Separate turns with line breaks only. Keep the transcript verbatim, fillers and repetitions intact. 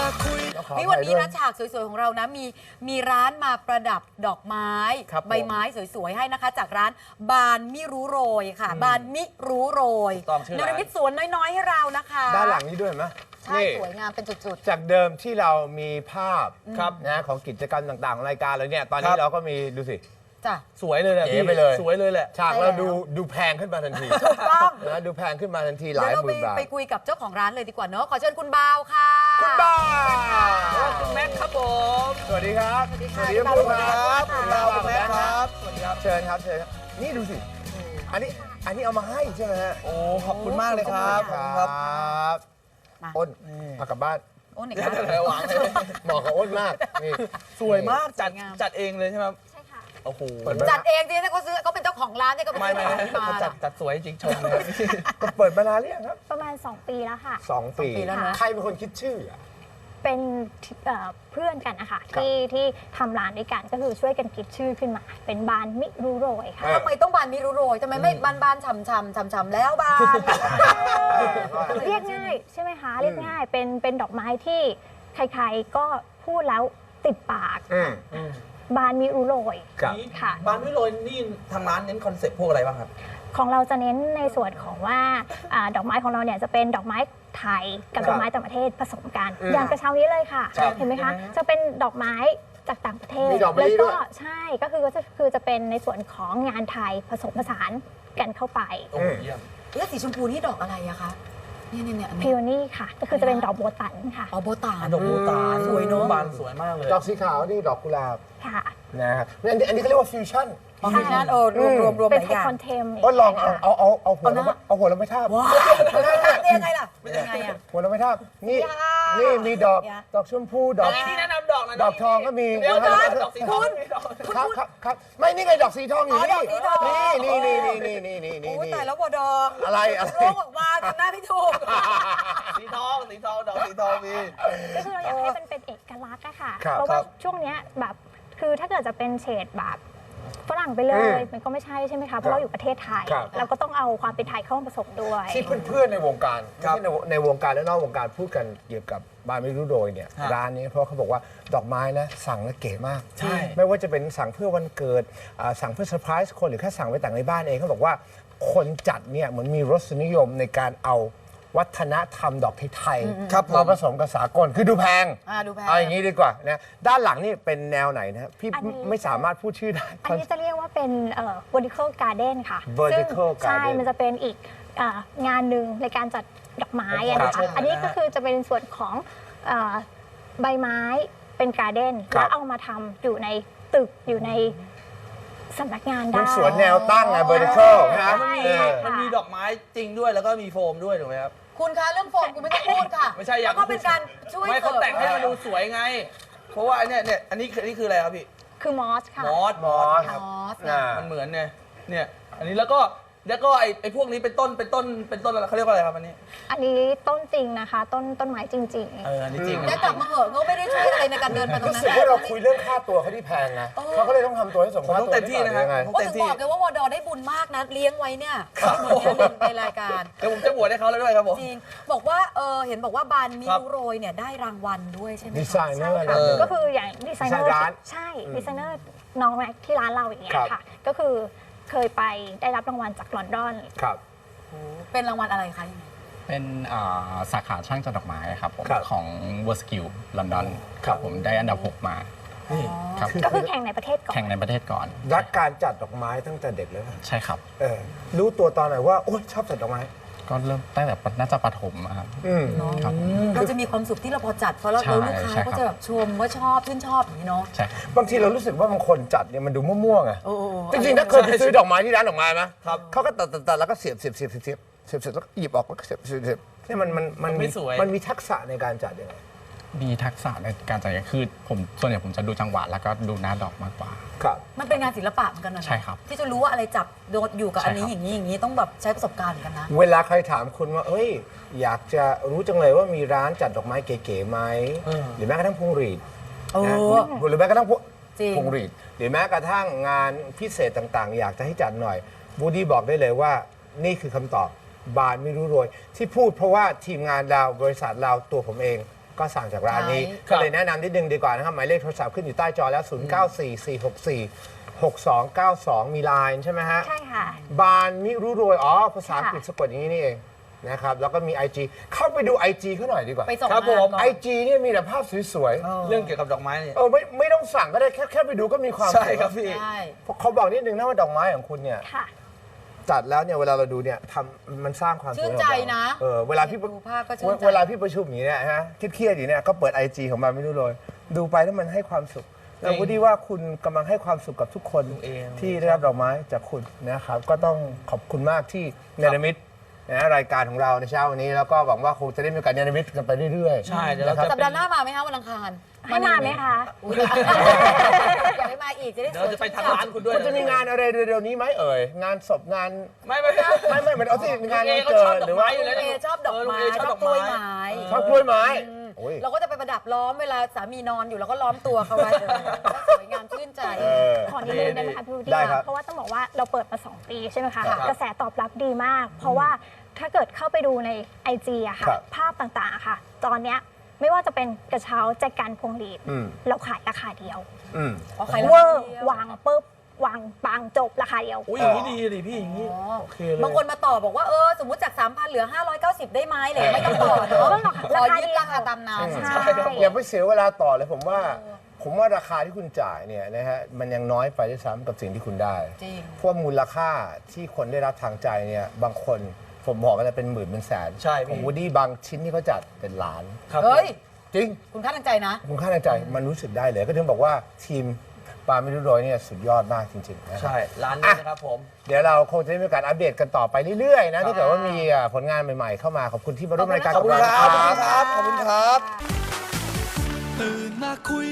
นี่วันนี้นะฉากสวยๆของเรานะมีมีร้านมาประดับดอกไม้ใบไม้สวยๆให้นะคะจากร้านบานมิรู้โรยค่ะบานมิรู้โรยเนรมิตสวนน้อยๆให้เรานะคะ
ด้านหลังนี้ด้วยไหม
ใช่สวยงามเป็นจุด
ๆจากเดิมที่เรามีภาพนะของกิจกรรมต่างๆของรายการเลยเนี่ยตอนนี้เราก็มีดูสิ
สวยเลยแหละพี่สวยเลยแหละ
ฉากเราดูดูแพงขึ้นมาทันที
ถูกต้อง
นะดูแพงขึ้นมาทันทีหลายหมื่นบาท
ไปคุยกับเจ้าของร้านเลยดีกว่าเนอะขอเชิญคุณบาวค่ะ
คุณบาว
คุณแม็กครับผม
สวัสดีครับ
สวัสดีค่ะ
คุณบาวครับ
คุณบาวคุณแม็กครับสวัสดีครับ
เชิญครับเชิญครับนี่ดูสิอันนี้อันนี้เอามาให้ใช่ไหมฮะ
โอ้ขอบคุณมากเลยครับ
ครับอ้นพากลับบ้าน
อ้นอีก
แล้วหวัง
เหมาะกับอ้นมากนี่
สวยมากจัดจัดเองเลยใช่ไหมโอ้โห
จัดเองจริงๆเขาซื้อเขาเป็นเจ้าของร้านเนี่ยก็เป็น
ไม่
ไม่
ไม่จัดจัดสวยจริงชมเลย
ก็เปิดมานานหรือยังครับ
ประมาณสองปีแล้วค่ะ
สองปีแล้วนะใครเป็นคนคิดชื่ออ่ะ
เป็นเพื่อนกันนะคะที่ที่ทำร้านด้วยกันก็คือช่วยกันคิดชื่อขึ้นมาเป็นบานมิรู้โรยค่ะ
ทำไมต้องบานมิรู้โรยทำไมไม่บานบานฉ่ำฉ่ำฉ่ำฉ่ำแล้วบาน
เรียกง่ายใช่ไหมคะเรียกง่ายเป็นเป็นดอกไม้ที่ใครๆก็พูดแล้วติดปากบานมิรู้โรย
ค่ะบานมิรู้โรยนี่ทางร้านเน้นคอนเซ็ปต์พวกอะไรบ้างครับ
ของเราจะเน้นในส่วนของว่าดอกไม้ของเราเนี่ยจะเป็นดอกไม้ไทยกับดอกไม้ต่างประเทศผสมกันอย่างกระเช้านี้เลยค่ะเห็นไหมคะจะเป็นดอกไม้จากต่างประเทศแล้วก็ใช่ก็คือก็จะคือจะเป็นในส่วนของงานไทยผสมผสานกันเข้าไป
แล้วสีชมพูนี่ดอกอะไรอะคะเนี่ยเนี่ย
พิโอนี่ค่ะก็คือจะเป็นดอกโบตันค่ะ
อ๋อโบตัน
ดอกโบตัน
สวยเนาะ
บานสวยมากเลย
ดอกสีขาวนี่ดอกกุหลาบ
ค่ะ
นะครับอันนี้อันนี้เขาเรียกว่าฟิวชั่น
ฟิวชั่นโอ้รวมรวมรวม
เป็นไทคอนเทม
ก็ลองเอาเอาเอาเอาหัวเราเอาหัวเราไม่ทาบ
ว้าวเป็นยังไงล่ะเป็นยังไงอะ
หัวเราไม่ทาบนี่นี่มีดอกดอกชมพูดอก
ที่แนะนำดอกนะ
ดอกทองก็มี
เดี๋ยวดอกสีทอง
ครับครับครับไม่นี่ไงดอกสีทองอยู่นี่นี่นี่นี่นี่นี่นี่นี่
โอ้แต่แล้วบัวดอก
อะไรอะไร
โลกออกมาทำหน้าพี่ถูก
สีทองสีทองดอกสีทองมี
ก็คือเราอยากให้มันเป็นเอกลักษณ์อะค่ะเพราะว่าช่วงนี้แบบคือถ้าเกิดจะเป็นเฉดแบบฝรั่งไปเลยมันก็ไม่ใช่ใช่ไหมคะเพราะเราอยู่ประเทศไทยเราก็ต้องเอาความเป็นไทยเข้ามาผสมด้วย
ที่เพื่อนๆในวงการที่ในวงการและนอกวงการพูดกันเกี่ยวกับบานมิรู้โรยเนี่ยร้านนี้เพราะเขาบอกว่าดอกไม้นะสั่งแล้วเก๋มาก
ใช่
ไม่ว่าจะเป็นสั่งเพื่อวันเกิดสั่งเพื่อเซอร์ไพรส์คนหรือแค่สั่งไว้แต่งในบ้านเองเขาบอกว่าคนจัดเนี่ยเหมือนมีรสนิยมในการเอาวัฒนธรรมดอกไทยมาผสมกับสากลคือดูแพงเอาอย่างนี้ดีกว่านะด้านหลังนี่เป็นแนวไหนนะพี่ไม่สามารถพูดชื่อได้
อันนี้จะเรียกว่าเป็น vertical garden ค่ะ
vertical garden
ใช่มันจะเป็นอีกงานหนึ่งในการจัดดอกไม้นะคะอันนี้ก็คือจะเป็นส่วนของใบไม้เป็นการ์เด้นแล้วเอามาทำอยู่ในตึกอยู่ในสำนักงานได้
สวนแนวตั้งไง vertical นะ
มันมีดอกไม้จริงด้วยแล้วก็มีโฟมด้วยถูกไหมครับ
คุณคะเรื่องโฟมคุณไม่ต้องพูดค่ะ
ไม่ใช่อย่าง
ก็เป็นการช่วย
ไม่เขาแต่งให้มันดูสวยไงเพราะว่าเนี่ยเนี่ยอันนี้อันนี้คืออะไรครับพี่
คือมอสค่ะ
มอส
มอส
มอส
มันเหมือนเนี่ยเนี่ยอันนี้แล้วก็แล้วก็ไอ้ไอ้พวกนี้เป็นต้นเป็นต้นเป็นต้นอะไรเขาเรียกว่าอะไรครับอันนี้
อันนี้ต้นจริงนะคะต้นต้นไม้จริง
ๆเอออันนี้จริง
แต่กลับมาเหอะเขาไม่ได้ช่วยอะไรในการเดินไปตรงนั้น
รู้สึกว่าเราคุยเรื่องค่าตัวเขาที่แพงนะเขาก็เลยต้องทำตัวให้สมค่าตัว
เต็มที่นะครับ
ว่าถึงบอกเลยว่าวอดอได้บุญมากนะเลี้ยงไว้เนี่ยในรายการ
เดี๋ยวผมจะบวชให้เขาแล้วด้วยครับผม
จริงบอกว่าเออเห็นบอกว่าบานมิรู้โรยเนี่ยได้รางวัลด้วยใช่ไหม
ดีไซเนอร์
ก็คืออย่างดีไซเนอร์ใช่ดีไซเนอร์น้องแม็กที่ร้านเราอย่างเงี้ยค่ะก็คือเคยไปได้รับรางวัลจากลอนดอน
ครับ
เป็นรางวัลอะไรคะ
เป็นสาขาช่างจัดดอกไม้ครับผมของ World Skill ลอนดอนครับผมได้อันดับหกมา
ครับก็คือแข่งในประเทศก่อน
แข่งในประเทศก่อน
รักการจัดดอกไม้ตั้งแต่เด็กเลย
ใช่ครับ
เออรู้ตัวตอนไหนว่าโอ๊ยชอบจัดดอกไม้
ก็เริ่มตั้งแต่น่าจะประถมครับ
เราจะมีความสุขที่เราพอจัดเพราะเราลูกค้าก็จะแบบชมว่าชอบชื่นชอบอย่างนี้เนาะ
ใช่
บางทีเรารู้สึกว่าบางคนจัดเนี่ยมันดูมั่วๆไงจริงๆถ้าเคยไปซื้อดอกไม้ที่ร้านดอกไม้ไหมครับเขาก็ตัดตัดแล้วก็เสียบเสียบเสียบเสียบเสียบเสียบเสร็จแล้วหยิบออกแล้วก็เสียบเสียบเสียบนี่มันมันมันมีมันมีทักษะในการจัดยังไง
มีทักษะในการจัดคือผมส่วนใหญ่ผมจะดูจังหวะแล้วก็ดูหน้าดอกมากกว่า
ครับ
มันเป็นงานศิลปะเหมือนกันนะ
ใช่ครับ
ที่จะรู้ว่าอะไรจับโดดอยู่กับอันนี้อย่างนี้อย่างนี้ต้องแบบใช้ประสบการณ์กันนะ
เวลาใครถามคุณว่าเอ้ยอยากจะรู้จังเลยว่ามีร้านจัดดอกไม้เก๋ๆไหมหรือแม้กระทั่งพวงหรีดนะหรือแม้กระทั่งพวงหรีดหรือแม้กระทั่งงานพิเศษต่างๆอยากจะให้จัดหน่อยบูดี้บอกได้เลยว่านี่คือคำตอบบานมิรู้โรยที่พูดเพราะว่าทีมงานเราบริษัทเราตัวผมเองก็สั่งจากร้านนี้
ใช่
ก็เลยแนะนำนิดนึงดีกว่านะครับหมายเลขโทรศัพท์ขึ้นอยู่ใต้จอแล้ว ศูนย์ เก้า สี่ สี่ หก สี่ หก สอง เก้า สอง มีไลน์ใช่ไหมฮะ
ใช่ค่ะ
บานมิรุโรยอ๋อภาษาอังกฤษสะกดอย่างนี้นี่เองนะครับแล้วก็มี ไอ จี เข้าไปดู ไอ จี เขาหน่อยดีกว่า
ไปส่ง
ครับ
งาน
ผม
ก่อน
ไอ จี เนี่ยมีแต่ภาพสวย
เรื่องเกี่ยวกับดอกไม้เนี่ย
ๆเออไม่ไม่ต้องสั่งก็ได้แค่แค่ไปดูก็มีความ
ใช่
สุข
ครับพี่
ใช่
เขาบอกนิดนึงนะว่าดอกไม้ของคุณเนี่ย
ค่ะ
จัดแล้วเนี่ยเวลาเราดูเนี่ยทำมันสร้างความสุข
ชื่นใจนะ
เออเวลาพี่
ดูภาพก็ชื่นใจ
เวลาพี่ประชุมอย่างนี้เนี่ยฮะเครียดๆอยู่เนี่ยก็เปิด ไอ จี ของมันไม่รู้เลยดูไปแล้วมันให้ความสุขแล้วพูดดีว่าคุณกำลังให้ความสุขกับทุกคน
เอง
ที่ได้รับดอกไม้จากคุณนะครับก็ต้องขอบคุณมากที่เนรมิตนะรายการของเราในเช้าวันนี้แล้วก็หวังว่าคงจะได้มีโอกาสเนรมิตกันไปเรื่อยๆ
ใช่เดี๋ยวเรา
นะครั
จะ
สัปดาห์หน้ามาไหมคะวันอังคาร
ให้มาไหมคะ
อุ๊ยอยากให้มาอีกจะได้
เดี๋ยวเราจะไปทางร้านคุณด้วย
คุณจะมีงานอะไรเร็วๆนี้ไหมเอ่ยงานศพงาน
ไม่ไม่ไม่
ไม่ไม่เหมือนเอาที่งาน
เอ
วัน
ก็
เกิ
ชอบ
ด
ดอก
หรือว่า
ไม้อยู่แล้ว
เอชอบดอกไม้
เออลุงเอ
ช
ช
อ
อ
บบ กล้วย
ดอกไม้
ไม้
ชอบกล้วยไม้โอ้ย
เราก็จะไปประดับล้อมเวลาสามีนอนอยู่เราก็ล้อมตัวเขาไว้เลยสวยงามชื่นใจ
เออ
ขอนิดนึงได้ไหมคะพี่วูด
ได้
ดี้
ครับ
เพราะว่าต้องบอกว่าเราเปิดมา สอง ปีใช่ไหมคะ
ครับ
กระแสตอบรับดีมาก เพราะว่าถ้าเกิดเข้าไปดูใน ไอ จี อะค่ะ
ครับ
ภาพต่างๆอะค่ะ ตอนเนี้ยไม่ว่าจะเป็นกระเช้าแจกันพวงหรีด
อืม
เราขายราคาเดียว
อืม
อ๋อขาย
เว
รา
อ
คา
ร์
เดียว
วางปุ๊บวางปังจบราคาเดียว
อุ้ยอย่างนี้ดีดิพี่อย่างนี้
อ๋อ
โอเคเลย
บางคนมาต่อบอกว่าเออสมมติจาก สามพัน เหลือ ห้าร้อยเก้าสิบ ได้ไหมเลยไม่ต้องต่อเนอะ
ก็ราคา
ขอยึดราคาตามนั้น
ใช่
อย่าไปเสียเวลาต่อเลยผมว่า ผมว่าราคาที่คุณจ่ายเนี่ยนะฮะมันยังน้อยไปด้วยซ้ำกับสิ่งที่คุณได้
จริง
เพราะว่ามูลค่าที่คนได้รับทางใจเนี่ยบางคนผมบอกกันเลยเป็นหมื่นเป็นแสน
ใช่พี่
ของวูดดี้บางชิ้นที่เขาจัดเป็นล้าน
ครับ
เฮ้ย
จริง
คุณค่าทางใจนะ
คุณค่าทางใจมันรู้สึกได้เลย ก็ถึงบอกว่าทีมปาไม่รู้โรยเนี่ยสุดยอดมากจริงๆนะครับ
ใช่ร้านนี้นะครับผม
เดี๋ยวเราคงจะได้มีโอกาสอัปเดตกันต่อไปเรื่อยๆนะถ้าเกิดว่ามีอ่ะผลงานใหม่ๆเข้ามาขอบคุณที่มาร่วมรายการ
ขอบคุณ
กั
ครับ
เรา
ขอบคุณครับ ขอบคุณครับ
ตื่นมาคุย